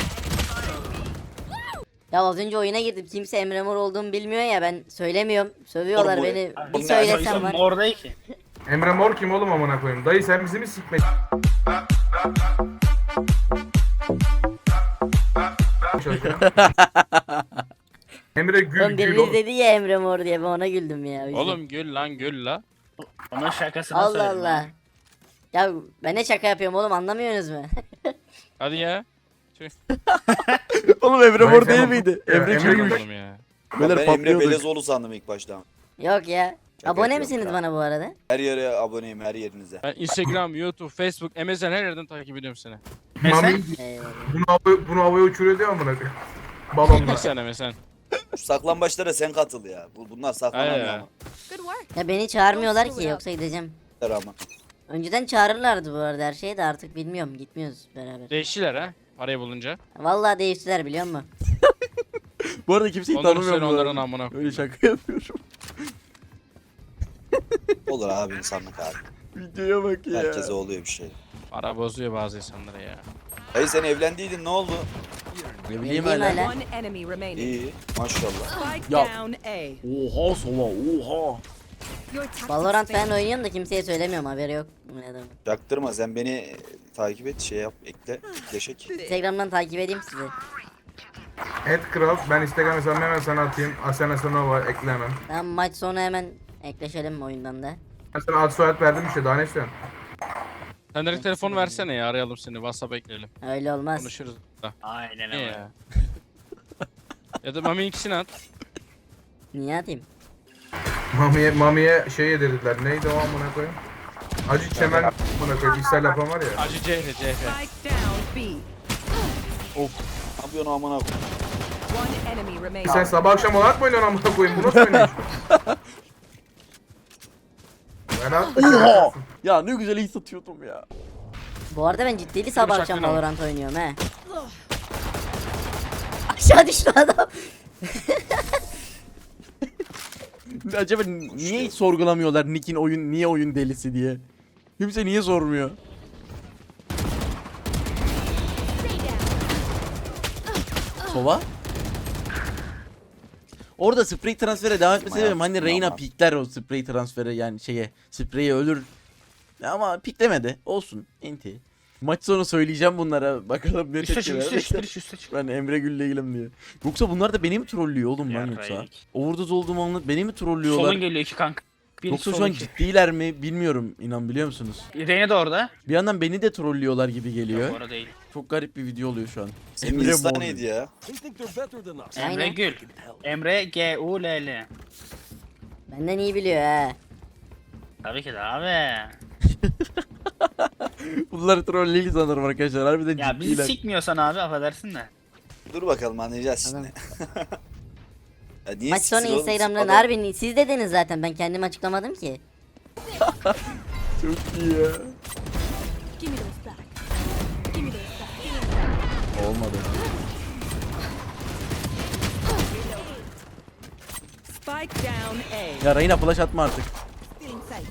Speaker 2: Ya az önce oyuna girdim. Kimse Emre Mor olduğumu bilmiyor ya, ben söylemiyorum. Sövüyorlar
Speaker 11: Oğlum bu-
Speaker 2: beni.
Speaker 11: bu
Speaker 2: Bir
Speaker 11: ne
Speaker 2: söylesem var.
Speaker 12: Mor değil ki.
Speaker 3: Emre Mor kim oğlum amına koyayım? Dayı sen bizi mi sikmek? Emre
Speaker 2: Oğlum
Speaker 3: gül gül
Speaker 2: biriniz
Speaker 3: oğlum.
Speaker 2: dedi ya Emre Mor diye, ben ona güldüm ya. o yüzden.
Speaker 4: Oğlum gül lan gül la.
Speaker 12: Onun şakasını
Speaker 2: Allah
Speaker 12: söyledim.
Speaker 2: Allah. Ya ben ne şaka yapıyorum oğlum, anlamıyorsunuz mu?
Speaker 4: Hadi ya.
Speaker 1: Oğlum Emre
Speaker 3: Vay
Speaker 1: mor
Speaker 3: sen
Speaker 1: değil
Speaker 3: oğlum.
Speaker 1: miydi?
Speaker 3: Ya,
Speaker 1: Emre
Speaker 3: Emre
Speaker 1: çürümüş.
Speaker 3: Gül.
Speaker 4: Oğlum ya.
Speaker 1: Beyler
Speaker 11: Ben Emre
Speaker 1: patlıyorduk.
Speaker 11: Belezoğlu sandım ilk başta.
Speaker 2: Yok ya.
Speaker 11: Şaka
Speaker 2: Abone
Speaker 11: yapıyorum
Speaker 2: misiniz
Speaker 11: ya.
Speaker 2: bana bu arada?
Speaker 11: Her yere aboneyim her yerinize.
Speaker 4: Ben Instagram, YouTube, Facebook, MSN her yerden takip ediyorum seni.
Speaker 3: Mami
Speaker 2: Eyvallah.
Speaker 3: bunu havaya uçuruyor diyor amına koyayım. Balonla.
Speaker 4: MSN.
Speaker 11: Şu saklambaçlara sen katıl ya. Bunlar saklanamıyor
Speaker 4: Aynen.
Speaker 11: ama.
Speaker 10: Good work.
Speaker 2: Ya beni çağırmıyorlar ki, yoksa gideceğim.
Speaker 11: Ama.
Speaker 2: Önceden çağırırlardı bu arada her şeyi de, artık bilmiyorum, gitmiyoruz beraber.
Speaker 4: Değiştiler ha. Parayı bulunca.
Speaker 2: Vallahi değiştiler biliyor musun?
Speaker 1: Bu arada kimseyi
Speaker 4: Onları
Speaker 1: tanımıyorum.
Speaker 4: söyle
Speaker 1: bu
Speaker 4: onların
Speaker 1: arada.
Speaker 4: amına
Speaker 1: Öyle
Speaker 4: koyayım.
Speaker 1: şaka yapıyorum.
Speaker 11: Olur abi insanlık abi.
Speaker 1: Videoya bak ya.
Speaker 11: Herkese oluyor bir şey.
Speaker 4: Para bozuyor bazı insanları ya.
Speaker 11: Dayı sen evlendiydin ne oldu?
Speaker 1: Ne bileyim
Speaker 2: Bildiğim
Speaker 1: hala.
Speaker 2: hala.
Speaker 9: One enemy remaining.
Speaker 11: İyi maşallah.
Speaker 9: Spike
Speaker 1: Ya.
Speaker 9: down A.
Speaker 1: Oha sola oha.
Speaker 10: Your tactics
Speaker 2: Valorant
Speaker 10: fail.
Speaker 2: falan oynuyorum da kimseye söylemiyorum, haberi yok. Ne adamın.
Speaker 11: Yaktırma sen beni takip et şey yap ekle ekleşek.
Speaker 2: Instagram'dan takip edeyim sizi.
Speaker 3: Kral ben Instagram hesabımı hemen sana atayım. Asena Sanova ekle hemen.
Speaker 2: Tamam, maç sonu hemen ekleşelim oyundan da.
Speaker 3: Ben sana ad soyad verdim işte daha ne istiyorsun?
Speaker 4: Sen direkt telefonu versene ya, arayalım seni. WhatsApp ekleyelim.
Speaker 2: Öyle olmaz.
Speaker 4: Konuşuruz da.
Speaker 12: Aynen
Speaker 4: Ne
Speaker 12: öyle.
Speaker 4: ya? Ya da Mami ikisini at.
Speaker 2: Niye atayım?
Speaker 3: Mami'ye şey yedirdiler. Neydi o amına koyayım? Acı çemen amına koyayım. İshal yapan var ya.
Speaker 4: Acı CH.
Speaker 9: Spike down B.
Speaker 11: Ne yapıyorsun amına koyayım?
Speaker 9: One enemy remaining.
Speaker 3: Sen sabah akşam olarak mı oynuyorsun amına koyayım? Bu nasıl oynuyorsun? Ben
Speaker 1: Oha. Ya ne güzel iyi satıyordum ya.
Speaker 2: Bu arada ben ciddili sabah
Speaker 4: bıçak
Speaker 2: akşam
Speaker 4: beni ama.
Speaker 2: Valorant oynuyorum he. Aşağı düştü adam.
Speaker 1: Acaba niye hiç sorgulamıyorlar Nick'in niye oyun delisi diye? Kimse niye sormuyor? Sova? Orada sprey transfere devam etmesi sebebim hani Reyna pikler o sprey transfere, yani spreyi ölür. Ama piklemedi. Olsun. Enti. Maç sonu söyleyeceğim bunlara. Bakalım ne
Speaker 12: Üste
Speaker 1: tepki
Speaker 12: çık üste
Speaker 1: verecekler.
Speaker 12: çık üste çık.
Speaker 1: Ben Emre Gül'le ilgilim diye. Yoksa bunlar da beni mi trollüyor oğlum lan
Speaker 12: Ya,
Speaker 1: yoksa?
Speaker 12: Reyna.
Speaker 1: Overdose olduğumu anlat beni mi trollüyorlar?
Speaker 12: Solun geliyor iki kanka. Bir
Speaker 1: Yoksa
Speaker 12: sol
Speaker 1: şu an
Speaker 12: iki.
Speaker 1: ciddiler mi bilmiyorum, inan biliyor musunuz?
Speaker 12: Reyna da orada.
Speaker 1: Bir yandan beni de trollüyorlar gibi geliyor.
Speaker 12: Yok orada değil.
Speaker 1: Çok garip bir video oluyor şu an.
Speaker 11: Senin
Speaker 1: Emre
Speaker 11: insta
Speaker 1: Mor.
Speaker 11: neydi ya?
Speaker 12: Emre
Speaker 2: Aynen.
Speaker 12: Gül. Emre G-U-L-L.
Speaker 2: Benden iyi biliyor he.
Speaker 12: Tabii ki de abi.
Speaker 1: Bunları troll sanırım arkadaşlar. Harbiden
Speaker 12: Ya bizi
Speaker 1: ciddiler.
Speaker 12: sikmiyorsan abi affedersin de.
Speaker 11: Dur bakalım anlayacağız
Speaker 2: Tamam.
Speaker 11: şimdi. Ya niye
Speaker 2: Maç sonu
Speaker 11: siksin oğlum?
Speaker 2: Instagram'dan
Speaker 11: Adam-
Speaker 2: harbi siz dediniz zaten, ben kendim açıklamadım ki.
Speaker 1: Çok iyi ya.
Speaker 10: Give me those back. Give me those back.
Speaker 1: Olmadı.
Speaker 9: Spike down A.
Speaker 1: Ya Reyna flash atma artık.
Speaker 10: Feeling sight.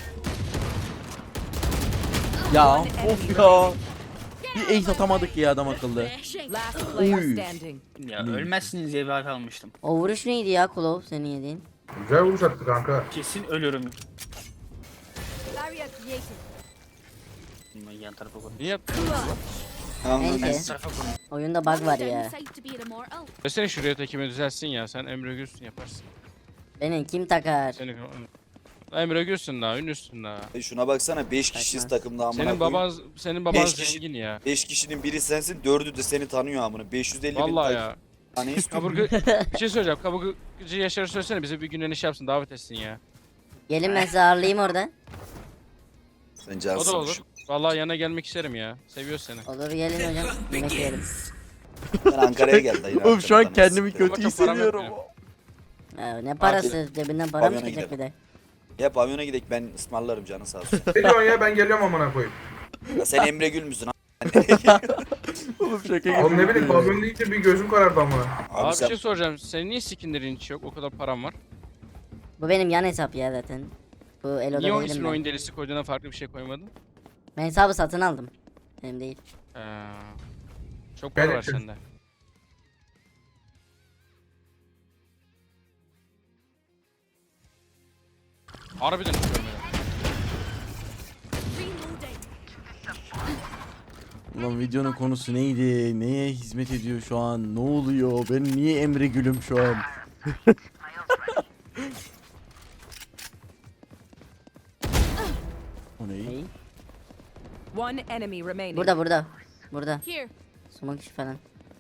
Speaker 1: Ya of ya. Bir ace atamadık ya adam akıllı.
Speaker 9: Last player
Speaker 1: Uy.
Speaker 9: standing.
Speaker 12: Ya ölmezsiniz diye bir hak almıştım.
Speaker 2: O vuruş neydi ya Klov senin yediğin?
Speaker 3: Güzel vuruş attı kanka.
Speaker 12: Kesin ölürüm.
Speaker 10: Barrier created.
Speaker 12: Ben yan tarafa koydum.
Speaker 4: Niye yaptın?
Speaker 11: Anladım.
Speaker 2: Neyse.
Speaker 12: Yan tarafa koydum.
Speaker 2: Oyunda bug var ya.
Speaker 10: Sight to be an immortal.
Speaker 4: Desene şuraya tekimi düzelsin ya. Sen Emre Gülsün yaparsın.
Speaker 2: Beni kim takar?
Speaker 4: Seni... Emre Gülsün daha, ünlüsün daha.
Speaker 11: Şuna baksana 5 kişiyiz takımda amına
Speaker 4: Senin
Speaker 11: koyayım.
Speaker 4: baban
Speaker 11: Beş kişi-
Speaker 4: zengin ya.
Speaker 11: 5 kişinin biri sensin, 4'ü de seni tanıyor amına. 550 bin
Speaker 4: Vallahi ya.
Speaker 11: Hani
Speaker 4: Kaburgu... bir şey söyleyeceğim. Kaburgucu Yaşar'ı söylesene bize bir gün iş yapsın, davet etsin ya.
Speaker 2: Gelin ben sizi ağırlayayım orada.
Speaker 11: sen
Speaker 4: O
Speaker 11: cansın.
Speaker 4: da olur. Vallahi yana gelmek isterim ya. Seviyor seni.
Speaker 2: Olur gelin hocam. Yemek yiyelim.
Speaker 11: Ben Ankara'ya geldi dayı.
Speaker 1: Oğlum şu an
Speaker 11: Arkadan
Speaker 1: kendimi
Speaker 11: siktir.
Speaker 1: kötü
Speaker 4: Bakın param yok
Speaker 1: hissediyorum.
Speaker 2: Ne parası? Cebinden para mı
Speaker 11: Pavyona
Speaker 2: çıkacak bir
Speaker 11: gidelim.
Speaker 2: de?
Speaker 11: Ya pavyona gidelim ben ısmarlarım canı sağ olsun.
Speaker 3: Ne diyorsun ya, ben geliyorum amına koyayım.
Speaker 11: Ya sen Emre Gül müsün?
Speaker 1: Oğlum şaka gibi.
Speaker 3: Oğlum ne bileyim, pavyon deyince bir gözüm karardı amına.
Speaker 4: Abi bir
Speaker 11: sen
Speaker 4: şey soracağım. Senin niye skinlerin hiç yok? O kadar param var.
Speaker 2: Bu benim yan hesap ya zaten. Bu Elo'da
Speaker 4: Niye o
Speaker 2: değilim
Speaker 4: ismini
Speaker 2: ben.
Speaker 4: oyun delisi koyduğuna farklı bir şey koymadın?
Speaker 2: Ben hesabı satın aldım. Benim değil.
Speaker 4: Çok para
Speaker 3: Ben-
Speaker 4: var sende. Harbiden hiç görmedim.
Speaker 10: Reloading.
Speaker 1: Ulan videonun konusu neydi? Neye hizmet ediyor şu an? Ne oluyor? Ben niye Emre Gülüm şu an? O ne?
Speaker 2: Neyi?
Speaker 9: One enemy remaining.
Speaker 2: Burada. Burada.
Speaker 10: Here.
Speaker 2: Smoke işi falan.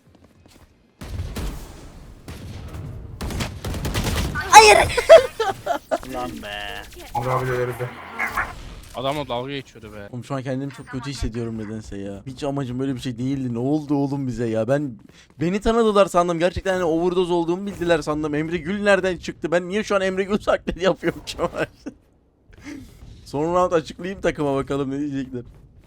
Speaker 12: Lan be.
Speaker 3: Abi de herifde.
Speaker 4: Adamla dalga geçiyordu be.
Speaker 1: Oğlum şu an kendimi çok kötü hissediyorum nedense ya. Hiç amacım böyle bir şey değildi. Ne oldu oğlum bize ya? Beni tanıdılar sandım. Gerçekten hani overdose olduğumu bildiler sandım. Emre Gül nereden çıktı? Ben niye şu an Emre Gül taklidi yapıyorum şu an? Son round açıklayayım takıma bakalım ne diyecekler.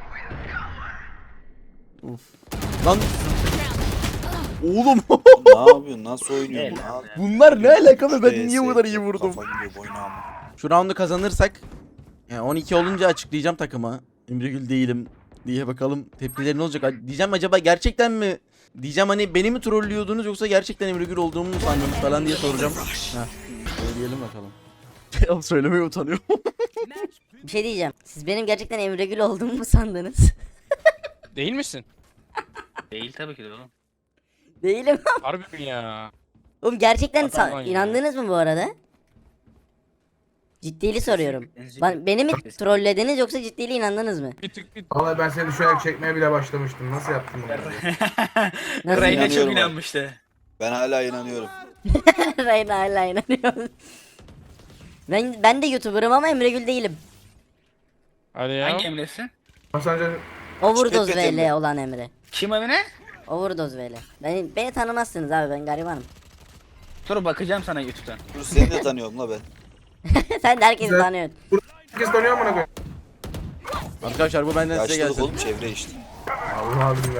Speaker 1: Of. Lan oğlum
Speaker 11: ne yapıyorsun? Nasıl oynuyorsun?
Speaker 12: Evet.
Speaker 11: Ne yapıyorsun?
Speaker 1: bunlar ne alaka be? Ben niye bu kadar iyi
Speaker 11: DS,
Speaker 1: vurdum?
Speaker 11: Kafa gidiyor boyuna amına.
Speaker 1: Şu roundu kazanırsak yani 12 olunca açıklayacağım takıma. Emregül değilim diye bakalım tepkileri ne olacak. Diyeceğim acaba gerçekten mi? Diyeceğim hani beni mi trollüyordunuz yoksa gerçekten Emregül olduğumu mu sandınız falan diye soracağım. Heh, söyleyelim bakalım. Ya söylemeye utanıyorum.
Speaker 2: Bir şey diyeceğim. Siz benim gerçekten Emre Gül olduğumu mu sandınız?
Speaker 4: Değil misin?
Speaker 12: Değil tabii ki de oğlum.
Speaker 2: Değilim.
Speaker 4: Harbi mi ya?
Speaker 2: Oğlum gerçekten
Speaker 4: Adam var ya.
Speaker 2: inandınız mı bu arada? Ciddili soruyorum. Beni mi trollediniz yoksa ciddili inandınız mı?
Speaker 4: Bir tık bir...
Speaker 3: Vallahi ben seni düşünerek çekmeye bile başlamıştım. Nasıl yaptın bunu?
Speaker 2: Nasıl?
Speaker 12: Reyna çok
Speaker 11: İnanıyorum abi.
Speaker 12: inanmıştı.
Speaker 11: Ben hala inanıyorum.
Speaker 2: Reyna hala inanıyorum. Ben de YouTuber'ım ama Emre Gül değilim.
Speaker 4: Hadi ya.
Speaker 12: Hangi Emre'sin?
Speaker 3: Sence
Speaker 2: Overdose
Speaker 11: Şirket Emre.
Speaker 2: VL olan Emre.
Speaker 12: Kim Emre?
Speaker 2: Overdose VL. Beni tanımazsınız abi, ben garibanım.
Speaker 12: Dur bakacağım sana YouTube'dan.
Speaker 11: Dur seni de tanıyorum la ben.
Speaker 2: Sen de herkesi
Speaker 3: Güzel.
Speaker 2: tanıyorsun.
Speaker 3: herkes tanıyor amına koyayım?
Speaker 1: Arkadaşlar bu benden size
Speaker 11: Yaşlılık
Speaker 1: gelsin.
Speaker 11: oğlum çevre işte.
Speaker 3: Allah billah.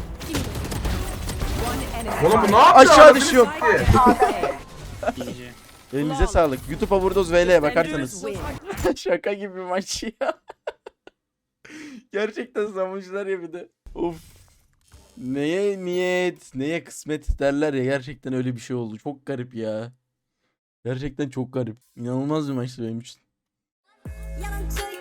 Speaker 9: One enemy.
Speaker 3: Oğlum bu ne yapıyor?
Speaker 1: Aşağı
Speaker 3: Anasını
Speaker 1: düşüyorum.
Speaker 3: sikti.
Speaker 12: İyice.
Speaker 1: Elinize sağlık. YouTube Overdose VL'ye bakarsanız.
Speaker 9: Win.
Speaker 1: Şaka gibi bir maç ya. Gerçekten savuncular ya bir de. Of. Neye niyet, neye kısmet derler ya, gerçekten öyle bir şey oldu. Çok garip ya. Gerçekten çok garip. İnanılmaz bir maçtı benim için.
Speaker 10: Yalan söyle